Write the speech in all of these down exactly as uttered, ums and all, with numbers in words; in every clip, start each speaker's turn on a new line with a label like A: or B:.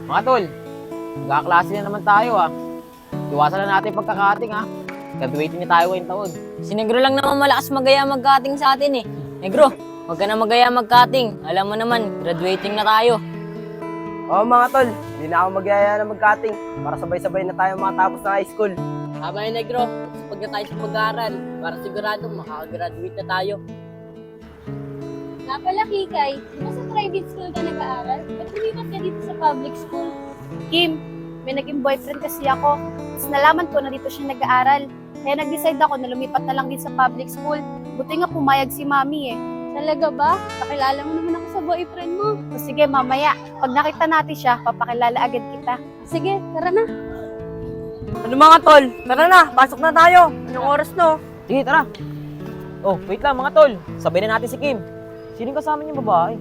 A: Mga tol, magkaklase na naman tayo ah. Iwasan na natin pagkakating ah. Graduating na tayo ngayong taon.
B: Si Negro lang naman malakas magaya mag-cutting sa atin eh. Negro, huwag ka na magaya mag-cutting. Alam mo naman, graduating na tayo.
C: Oo mga tol, hindi na ako magyaya na mag-cutting para sabay-sabay na tayo makatapos ng high school.
B: Tama yun, Negro. Pag na tayo sa pag-aaral, para sigurado makakagraduate na tayo.
D: Nga pala, Kikay, kung sa private school ka nag-aaral, ba't lumipat ka dito sa public school? Kim, may naging boyfriend kasi ako. Tapos nalaman ko na dito siya nag-aaral. Kaya nag-decide ako na lumipat na lang din sa public school. Buti nga pumayag si Mami eh. Talaga ba? Pakilala mo naman ako sa boyfriend mo. O sige, mamaya. Pag nakita natin siya, papakilala agad kita. Sige, tara na.
C: Ano mga tol, tara na, pasok na tayo. Anong oras no?
A: Sige, tara. Oh, wait lang mga tol. Sabay na natin si Kim. Sinong kasama niyong babae?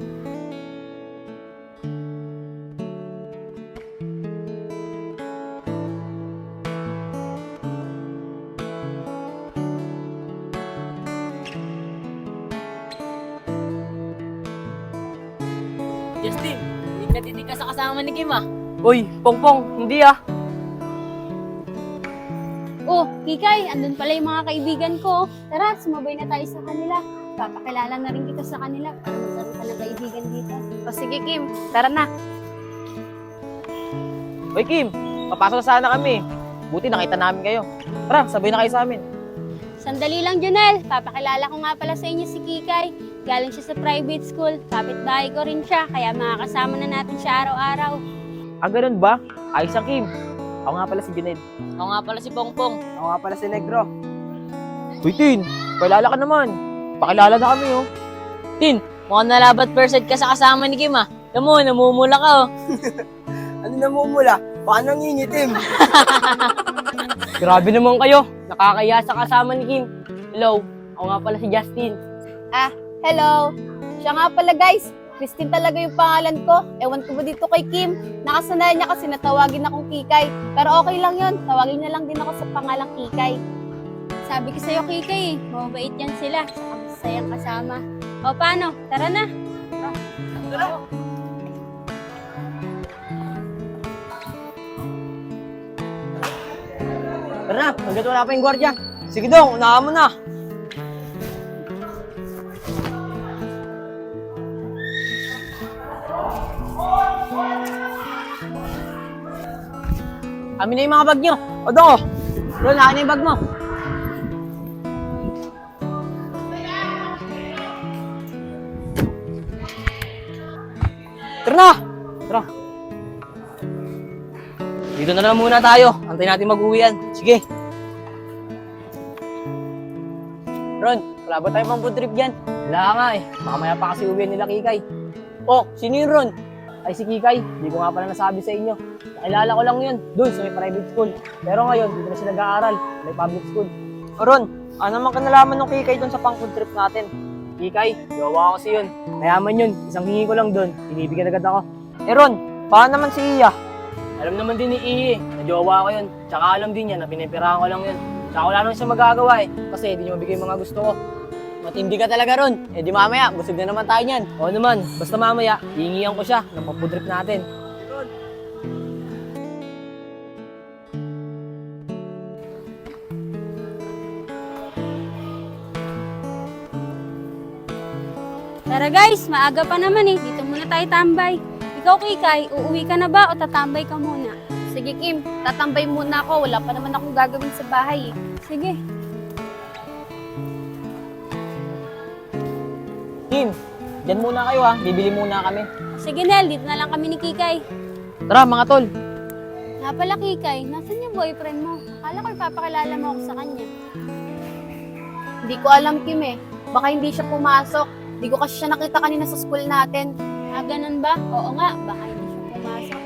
B: Justin, hindi ka titig ka sa kasama ni Kim ah.
C: Uy, Pongpong, hindi ah.
D: Oh, Kikay, andun pala yung mga kaibigan ko. Tara, sumabay na tayo sa kanila. Papakilala na rin kita sa kanila para magkaroon ka ng kaibigan dito. O sige, Kim, tara na.
A: Hoy Kim, papasok na sana kami. Buti nakita namin kayo. Tara, sabay na kayo sa amin.
D: Sandali lang, Junel. Papakilala ko nga pala sa inyo si Kikay. Galing siya sa private school. Kapitbahay ko rin siya, kaya makakasama na natin siya araw-araw.
A: Ah, ganun ba? Ayos ang Kim. Ako nga pala si Juned.
B: Ako nga pala si Pongpong.
C: Ako nga pala si Negro.
A: Uy, Tin, pakilala ka naman. Pakilala na kami oh.
B: Tin, mukhang nalabat percent ka sa kasama ni Kim ah. Alam mo, namumula ka oh.
C: Ano namumula? Baka nangingitim.
B: Grabe naman kayo. Nakakaya sa kasama ni Kim. Hello, ako nga pala si Justin.
D: Hello! Siya nga pala, guys. Christine talaga yung pangalan ko. Ewan ko ba dito kay Kim? Nakasanayan niya kasi natawagin akong Kikay. Pero okay lang yun. Tawagin niya lang din ako sa pangalang Kikay. Sabi ko sa'yo, Kikay, eh. Mabait yan sila. Saka masayang kasama. O paano? Tara na.
C: Tara.
A: Tara na, hanggat wala pa yung gwardiya. Sige dong, unahan mo na. Amin na yung mga bag nyo. O dong, Ron, akin na yung bag mo. Tara na! Tara. Dito na lang muna tayo. Antayin natin mag-uwian. Sige. Ron, wala ba tayo pang food trip dyan? Wala nga eh. Makamaya pa kasi uwian nila Kikay. Oh, sino yun Ron? Ay si Kikay. Hindi ko nga pala nasabi sa inyo. Nakilala ko lang yun. Doon sa may private school. Pero ngayon, dito na siya nag-aaral. May public school.
C: O Ron, ano naman kanalaman ng Kikay doon sa pang food trip natin?
A: Kikay, gawa ko kasi yun. Mayaman yun. Isang hingi ko lang doon. Tinibigyan agad ako.
C: Eh Ron, paano naman si Iya?
A: Alam naman din ni Iye, na jowa ko yun. Tsaka alam din niya na pinipirahan ko lang yun. Tsaka wala naman siya magagawa eh. Kasi hindi niya mabigay yung mga gusto ko. Matindi ka talaga ron. Eh di mamaya, busog na naman tayo niyan. Oo naman, basta mamaya, hihingihan ko siya ng pampudrip natin.
D: Tara guys, maaga pa naman eh. Dito muna tayo tambay. Ikaw, Kikay, uuwi ka na ba o tatambay ka muna? Sige, Kim. Tatambay muna ako. Wala pa naman akong gagawin sa bahay eh. Sige.
A: Kim, dyan muna kayo ha. Bibili muna kami.
D: Sige, Nel. Dito na lang kami ni Kikay.
A: Tara mga tol.
D: Nga pala, Kikay. Nasaan yung boyfriend mo? Akala ko ipapakilala mo ako sa kanya. Hindi ko alam, Kim eh. Baka hindi siya pumasok. Hindi ko kasi siya nakita kanina sa school natin. Ah, ganun ba? Oo nga. Baka hindi siya pumasok.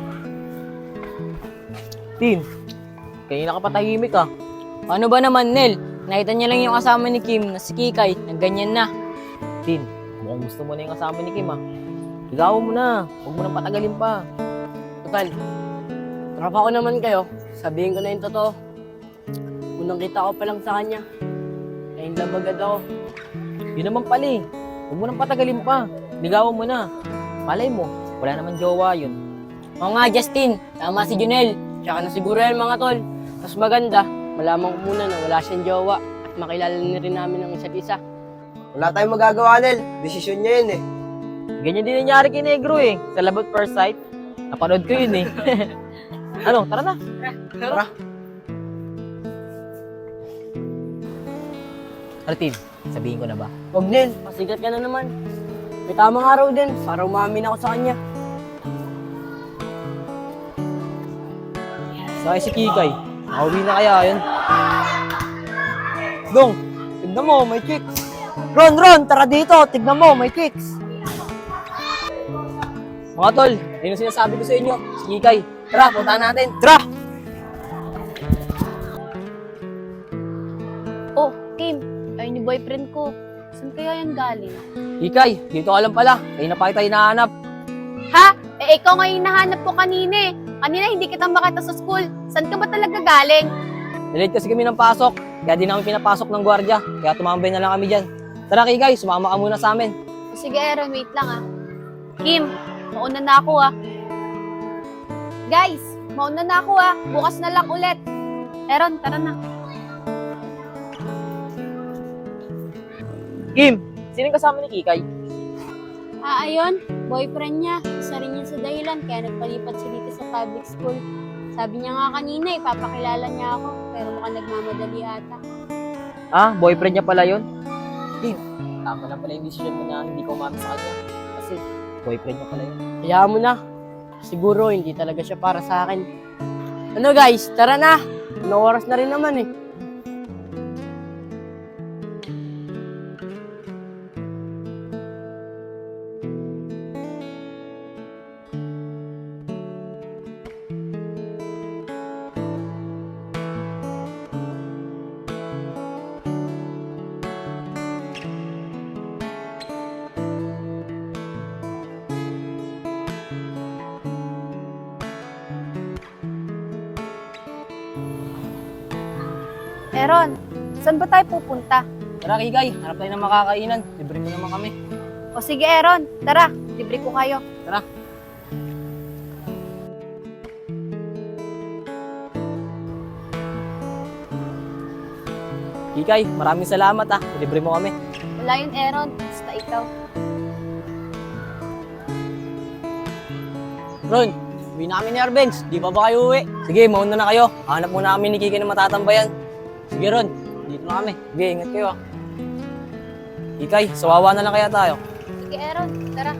A: Tin, kanina ka pa tahimik ah.
B: Ano ba naman, Nel? Nakita niya lang yung kasama ni Kim na si Kikay, na ganyan na.
A: Tin, mukhang gusto mo na yung kasama ni Kim ah. Ligawan mo na. Huwag mo nang patagalin pa.
B: Total, tropa ko naman kayo. Sabihin ko na yung totoo. Unang kita ko pa lang sa kanya. Ayun lang agad ako.
A: Yun naman pala eh. Huwag mo nang patagalin pa. Ligawan mo na. Malay mo, wala naman jowa yun.
B: Oo nga, Justin. Tama si Junel. Tsaka na siguro yan, mga tol. Mas maganda, malaman ko muna na wala siyang jowa at makilala na rin namin ang isa't isa.
C: Wala tayong magagawa, Nel. Desisyon niya yun eh.
A: Ganyan din nangyari kay Negro eh. Sa Love at First Sight. Napanood ko yun eh. Ano, tara na.
C: Tara.
A: Artin, sabihin ko na ba?
B: Huwag, Nel. Pasigat ka na naman. May tamang araw din para umamin ako sa kanya.
A: Sa si Kikay. Nakauwi na kaya yun? Dong, tignan mo, may kicks. Ron, Ron, tara dito. Tignan mo, may kicks. Mga tol, yun ang sinasabi ko sa inyo. Si Kikay. Tara, puntahan natin. Tara!
D: Oh, Kim, ayun yung boyfriend ko. Saan kaya yan galing?
A: Kikay, dito ka lang pala. Kaya na pa kita hinahanap.
D: Ha? Eh, ikaw nga yung nahanap ko kanina eh. Kanina hindi kita makita sa school. Saan ka ba talaga galing?
A: Nalate kasi kami ng pasok. Kaya di namin pinapasok ng gwardiya. Kaya tumambay na lang kami dyan. Tara Kikay, sumama ka muna sa amin.
D: Sige, Aaron, wait lang ah. Kim, mauna na ako ah. Guys, mauna na ako ah. Bukas na lang ulit. Aaron, tara na.
A: Kim, sinong kasama ni Kikay?
D: Ah, ayun, boyfriend niya. Isa rin yun sa dahilan kaya nagpalipat siya dito sa public school. Sabi niya nga kanina, ipapakilala niya ako. Pero mukhang nagmamadali ata.
A: Ah, boyfriend niya pala yun? Kim, tama na pala yung decision mo na hindi ko umami sa kanya. Kasi boyfriend niya pala yun.
B: Hayaan mo na. Siguro hindi talaga siya para sa akin. Ano guys, tara na. Ano oras na rin naman eh.
D: Aaron, saan ba tayo pupunta?
A: Tara Kikay, hanap tayo ng makakainan. Libre mo naman kami.
D: O sige, Aaron, tara. Libre ko kayo.
A: Tara. Kikay, maraming salamat ah. Libre mo kami.
D: Wala yun, Aaron. Basta ikaw.
A: Ron, uwi na kami ni Arbenz. Di pa ba kayo uwi? Sige, mauna na kayo. Hanap muna kami ni Kikay na matatambayan. Sige Ron, dito na kami. Sige, ingat kayo ah. Kikay, sawawa na lang kaya tayo.
D: Sige, Aaron, tara.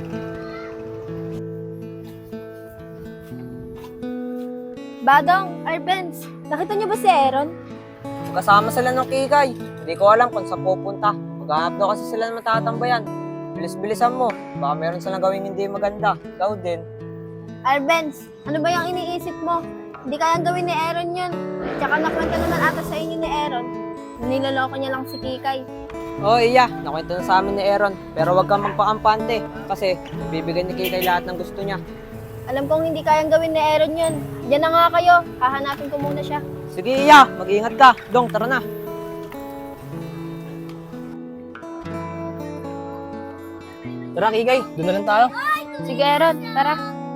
D: Badong, Arbenz, nakita niyo ba si Aaron?
C: Kasama sila ng Kikay. Hindi ko alam kung saan pupunta. Maghahanap daw kasi sila ng matatambayan. Bilis-bilisan mo. Baka meron silang gawing hindi maganda. Ikaw din.
D: Arbenz, ano ba yung iniisip mo? Hindi kayang gawin ni Aaron yun. Tsaka nakwento naman ata sa inyo ni Aaron. Niloloko niya lang si Kikay.
C: Oo, iya. Nakwento na sa amin ni Aaron. Pero wag kang magpakampante. Kasi bibigyan ni Kikay lahat ng gusto niya.
D: Alam kong hindi kayang gawin ni Aaron yun. Diyan na nga kayo. Hahanapin ko muna siya.
C: Sige, iya. Mag-iingat ka. Dong, tara na.
A: Tara Kikay, doon na lang tayo.
D: Sige, Aaron, tara.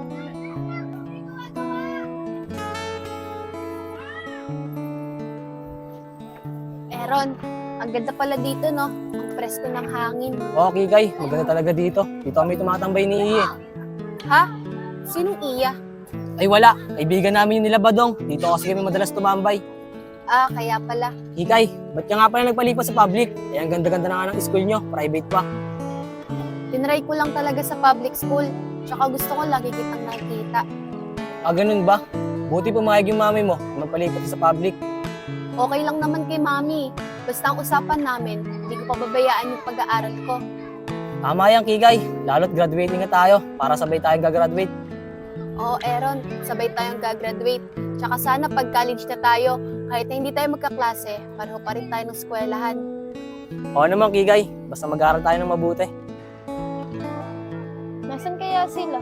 D: Aaron, ang ganda pala dito, no? Ang presko ng hangin.
A: Oo Kikay, maganda talaga dito. Dito kami tumatambay ni Iye.
D: Ha? Sinong Iya?
A: Ay wala, kaibigan namin yung nila Badong. Dito kasi kami madalas tumambay.
D: Ah, kaya pala.
A: Kikay, ba't ka nga pala nagpalipas sa public? Eh, ang ganda-ganda na nga ng school nyo, private pa.
D: Tinry ko lang talaga sa public school. Tsaka gusto ko lagi kitang nakikita.
A: Ah, ganun ba? Buti pumayag yung mami mo na magpalipas sa public.
D: Okay lang naman kay Mami. Basta ang usapan namin, hindi ko pababayaan yung pag-aaral ko.
A: Tama yan, Kikay. Lalo't graduating na tayo para sabay tayong gagraduate.
D: Oo, Aaron, sabay tayong gagraduate. Tsaka sana pag college na tayo, kahit na hindi tayo magkaklase, pareho pa rin tayo ng eskwelahan.
A: Oo naman, Kikay. Basta mag-aaral tayo ng mabuti.
D: Nasaan kaya sila?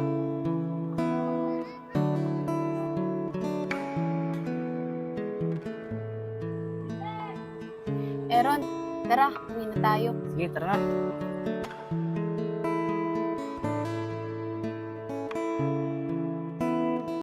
D: Aaron, tara, uwi na tayo.
A: Sige, tara na.